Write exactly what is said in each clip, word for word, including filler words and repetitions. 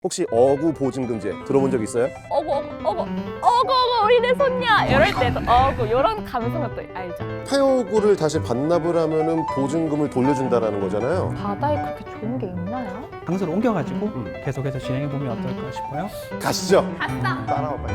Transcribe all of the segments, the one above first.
혹시 어구 보증금제 들어본 적 있어요? 어구 어구 어구 어구 어구 우리 내 손녀 이럴 때도 어구 이런 감성은 또 알죠. 타요구를 다시 반납을 하면은 보증금을 돌려준다라는 거잖아요. 바다에 그렇게 좋은 게 있나요? 장소를 옮겨가지고 음. 계속해서 진행해보면 어떨까 싶어요. 가시죠. 아싸. 따라와 빨리.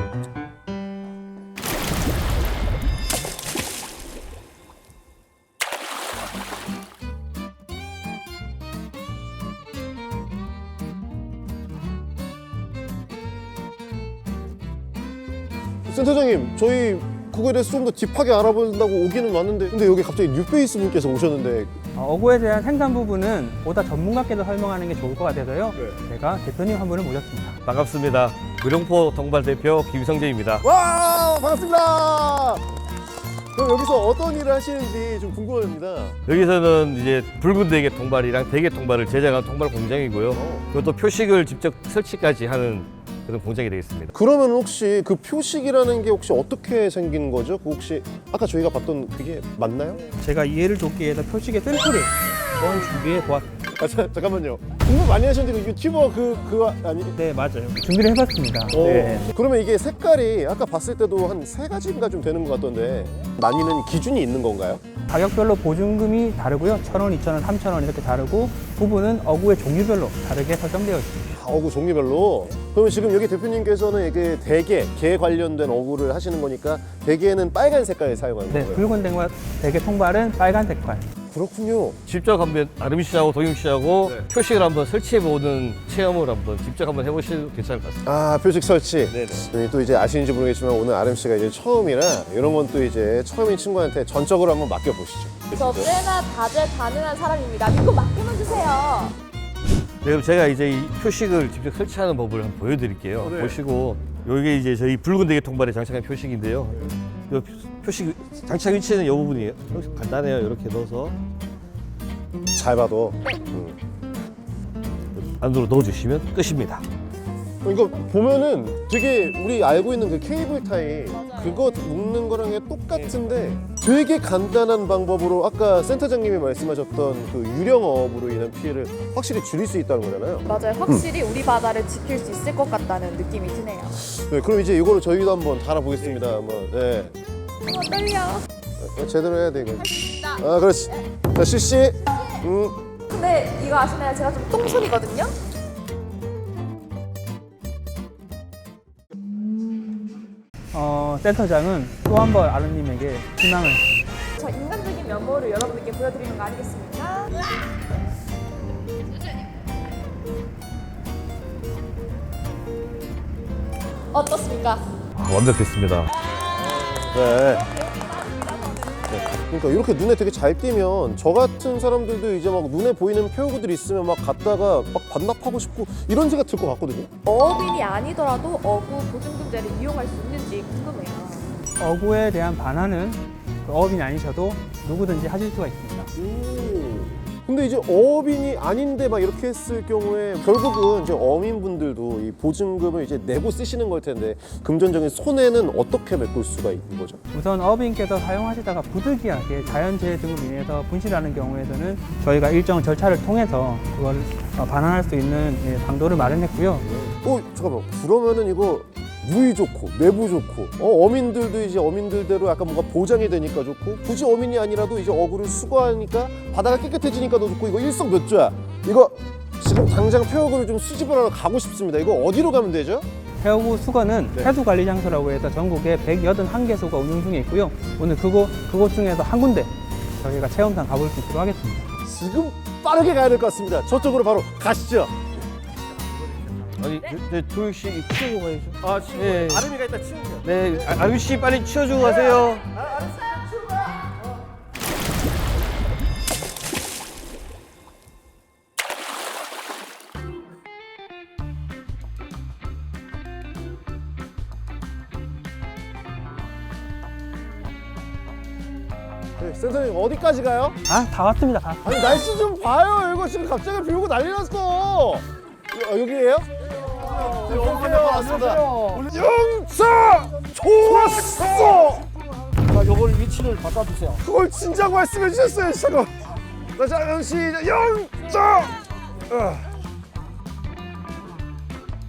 센터장님, 저희 그거에 대해서 좀 더 딥하게 알아본다고 오기는 왔는데 근데 여기 갑자기 뉴페이스 분께서 오셨는데 어, 어구에 대한 생산 부분은 보다 전문가께서 설명하는 게 좋을 것 같아서요. 네. 제가 대표님 한 분을 모셨습니다. 반갑습니다. 의령포 동발 대표 김성재입니다. 와 반갑습니다. 그럼 여기서 어떤 일을 하시는지 좀 궁금합니다. 여기서는 이제 붉은 대게 통발이랑 대게 통발을 제작한 통발 공장이고요. 그것도 표식을 직접 설치까지 하는 그런 공장이 되겠습니다. 그러면 혹시 그 표식이라는 게 혹시 어떻게 생긴 거죠? 그 혹시 아까 저희가 봤던 그게 맞나요? 제가 이해를 돕기 위해서 표식의 샘플을 한번 준비해 보았습니다. 아 자, 잠깐만요. 공부 많이 하셨는데 그 유튜버 그 그거 아니? 네, 맞아요. 준비를 해봤습니다. 어, 네. 그러면 이게 색깔이 아까 봤을 때도 한 세 가지인가 좀 되는 것 같던데 나뉘는 기준이 있는 건가요? 가격별로 보증금이 다르고요. 천 원, 이천 원, 삼천 원 이렇게 다르고 부분은 어구의 종류별로 다르게 설정되어 있습니다. 아, 어구 종류별로. 그러면 지금 여기 대표님께서는 이게 대게, 게 관련된 어구를 하시는 거니까 대게는 빨간 색깔을 사용하는 네, 거예요. 붉은 대게, 대게 통발은 빨간 색깔. 그렇군요. 직접 한번 아름 씨하고 동영 씨하고 네. 표식을 한번 설치해보는 체험을 한번 직접 한번 해보셔도 괜찮을 것 같습니다. 아 표식 설치. 네네. 저희 또 이제 아시는지 모르겠지만 오늘 아름 씨가 이제 처음이라 이런 건 또 이제 처음인 친구한테 전적으로 한번 맡겨 보시죠. 저 꽤나 다재다능한 사람입니다. 믿고 맡기만 주세요. 네, 그럼 제가 이제 이 표식을 직접 설치하는 법을 한번 보여드릴게요. 네. 보시고 여기 이제 저희 붉은 대게 통발에 장착한 표식인데요. 이 표식 장착 위치는 이 부분이에요. 간단해요. 이렇게 넣어서 잘 봐도. 안으로 넣어주시면 끝입니다. 이거 보면은 되게 우리 알고 있는 그 케이블 타이 맞아요. 그거 묶는 거랑 똑같은데 되게 간단한 방법으로 아까 센터장님이 말씀하셨던 그 유령어업으로 인한 피해를 확실히 줄일 수 있다는 거잖아요. 맞아요. 확실히 우리 바다를 지킬 수 있을 것 같다는 느낌이 드네요. 네, 그럼 이제 이거를 저희도 한번 달아보겠습니다. 한번. 네. 어, 떨려. 어, 제대로 해야 돼 이거. 있다. 아 그렇지. 자 실시. 음. 근데 이거 아시나요? 제가 좀 똥손이거든요. 어, 센터장은 또 한 번 아르님에게 희망을. 저 인간적인 면모를 여러분들께 보여드리는 거 아니겠습니까? 어떻습니까? 완벽했습니다. 네. 네. 그러니까 이렇게 눈에 되게 잘 띄면 저 같은 사람들도 이제 막 눈에 보이는 표구들이 있으면 막 갔다가 막 반납하고 싶고 이런 생각 들 것 같거든요. 어업인이 아니더라도 어구 보증금제를 이용할 수 있는지 궁금해요. 어구에 대한 반환은 그 어업인이 아니셔도 누구든지 하실 수가 있습니다. 근데 이제 어업인이 아닌데 막 이렇게 했을 경우에 결국은 이제 어민분들도 이 보증금을 이제 내고 쓰시는 걸 텐데 금전적인 손해는 어떻게 메꿀 수가 있는 거죠? 우선 어업인께서 사용하시다가 부득이하게 자연재해 등으로 인해서 분실하는 경우에는 저희가 일정 절차를 통해서 그걸 어, 반환할 수 있는 예, 방도를 마련했고요. 어 잠깐만 그러면은 이거 무의 좋고 내부 좋고 어, 어민들도 이제 어민들대로 약간 뭔가 보장이 되니까 좋고 굳이 어민이 아니라도 이제 어구를 수거하니까 바다가 깨끗해지니까 더 좋고 이거 일석몇조야. 이거 지금 당장 폐어구를 좀 수집을 하러 가고 싶습니다. 이거 어디로 가면 되죠? 해어구 수거는 네. 해수관리장소라고 해서 전국에 백팔십일 개소가 운영 중에 있고요. 오늘 그곳, 그곳 중에서 한 군데 저희가 체험단 가볼 수 있도록 하겠습니다. 지금 빠르게 가야 될 것 같습니다. 저쪽으로 바로 가시죠. 아니, 네, 도영 씨 치우고 가야죠. 아 치워. 네. 아름이가 일단 치우죠. 네, 아, 아름 씨 빨리 치워주고 가세요. 네, 센터님 어디까지 가요? 아, 다 왔습니다. 다. 아니 날씨 좀 봐요. 이거 지금 갑자기 비 오고 난리 났어. 어, 여기에요? 네, 오세요. 왔습니다. 영차 좋았어. 자, 요걸 위치를 바꿔주세요. 그걸 진작 말씀해 주셨어요. 잠깐. 자, 자, 시작. 영차. 어.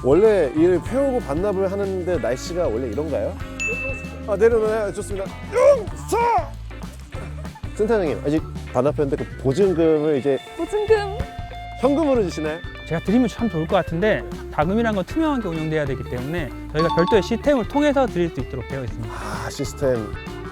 원래 이 폐허구 반납을 하는데 날씨가 원래 이런가요? 아 내려놓아요. 좋습니다. 용서! 센터장님 아직 반납했는데 그 보증금을 이제 보증금. 현금으로 주시나요? 제가 드리면 참 좋을 것 같은데 자금이란 건 투명하게 운영돼야 되기 때문에 저희가 별도의 시스템을 통해서 드릴 수 있도록 되어 있습니다. 아 시스템.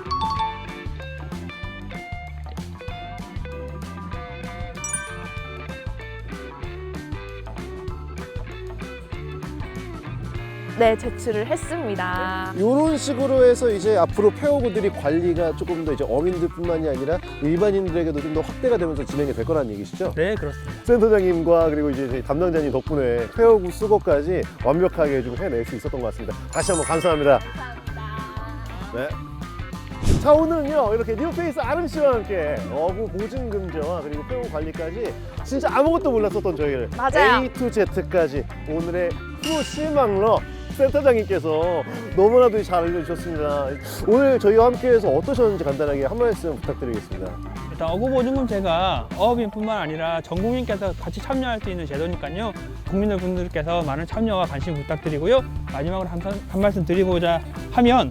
네, 제출을 했습니다. 이런 식으로 해서 이제 앞으로 폐허구들이 관리가 조금 더 이제 어민들뿐만이 아니라 일반인들에게도 좀 더 확대가 되면서 진행이 될 거라는 얘기시죠? 네, 그렇습니다. 센터장님과 그리고 이제 저희 담당자님 덕분에 폐허구 수거까지 완벽하게 좀 해낼 수 있었던 것 같습니다. 다시 한번 감사합니다. 네. 자 오늘은요 이렇게 뉴페이스 아름 씨와 함께 어구 보증금제와 그리고 폐허구 관리까지 진짜 아무것도 몰랐었던 저희를 맞아요. A to Z까지 오늘의 프로 실망러 센터장님께서 너무나도 잘 알려주셨습니다. 오늘 저희와 함께해서 어떠셨는지 간단하게 한 말씀 부탁드리겠습니다. 일단 어구보증금제가 어업인뿐만 아니라 전 국민께서 같이 참여할 수 있는 제도니까요. 국민분들께서 많은 참여와 관심 부탁드리고요. 마지막으로 한, 한 말씀 드리고자 하면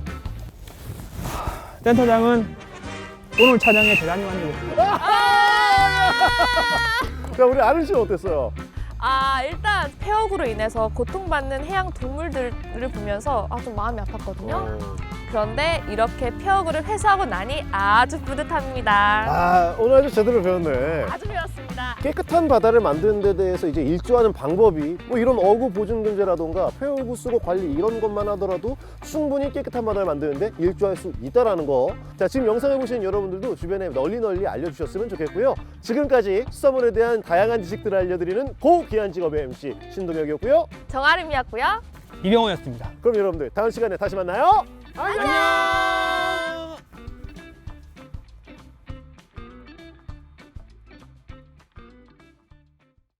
센터장은 오늘 촬영에 대단히 만족했습니다. 자 우리 아름 씨는 어땠어요? 아, 일단 폐허구로 인해서 고통받는 해양 동물들을 보면서 아, 좀 마음이 아팠거든요. 어. 그런데 이렇게 폐허구를 회수하고 나니 아주 뿌듯합니다. 아 오늘 아주 제대로 배웠네. 아주 배웠습니다. 깨끗한 바다를 만드는 데 대해서 이제 일조하는 방법이 뭐 이런 어구 보증금제라던가 폐허구 수거 관리 이런 것만 하더라도 충분히 깨끗한 바다를 만드는데 일조할 수 있다라는 거. 자 지금 영상을 보시는 여러분들도 주변에 널리 널리 알려주셨으면 좋겠고요. 지금까지 수산물에 대한 다양한 지식들을 알려드리는 고귀한 직업의 엠씨 신동혁이었고요. 정아름이었고요. 이병호였습니다. 그럼 여러분들 다음 시간에 다시 만나요. 안녕.